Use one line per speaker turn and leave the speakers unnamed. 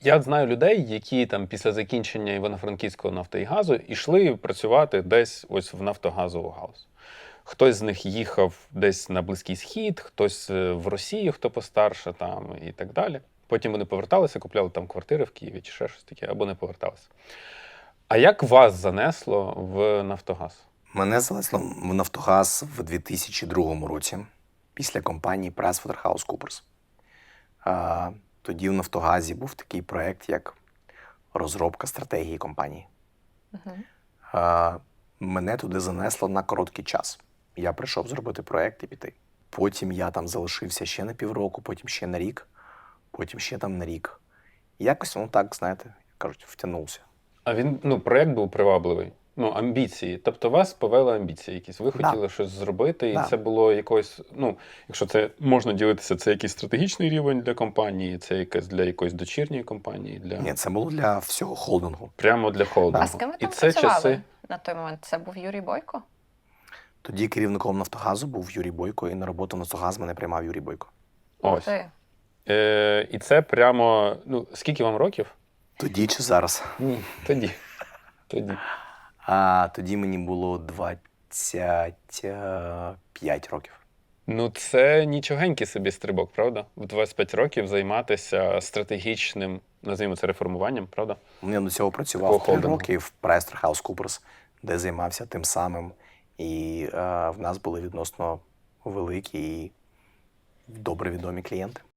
Я знаю людей, які там після закінчення Івано-Франківського нафти і газу йшли працювати десь ось в нафтогазову галузь. Хтось з них їхав десь на Близький Схід, хтось в Росію, хто постарше там і так далі. Потім вони поверталися, купляли там квартири в Києві чи ще щось таке, або не поверталися. А як вас занесло в Нафтогаз?
Мене занесло в Нафтогаз в 2002 році після компанії PricewaterhouseCoopers. Тоді в Нафтогазі був такий проєкт, як розробка стратегії компанії. Мене туди занесло на короткий час. Я прийшов зробити проєкт і піти. Потім я там залишився ще на півроку, потім ще на рік, потім ще там на рік. І якось воно так, знаєте, як кажуть, втягнувся.
А він, проєкт був привабливий. Амбіції. Тобто вас повели амбіції якісь. Ви хотіли щось зробити, і це було якось, якщо це можна ділитися, це якийсь стратегічний рівень для компанії, це якась для якоїсь дочірньої компанії?
Ні, це було для всього холдингу.
Прямо для холдингу.
А з ким ви там працювали на той момент? Це був Юрій Бойко?
Тоді керівником Нафтогазу був Юрій Бойко, і на роботу в Нафтогаз мене приймав Юрій Бойко.
Ось. І це прямо, скільки вам років?
Тоді чи зараз?
Ні, тоді.
Тоді мені було 25 років.
Це нічогенький собі стрибок, правда? В 25 років займатися стратегічним, називаємо це, реформуванням, правда?
Я до цього працював 3 роки в PricewaterhouseCoopers, де займався тим самим. І в нас були відносно великі і добре відомі клієнти.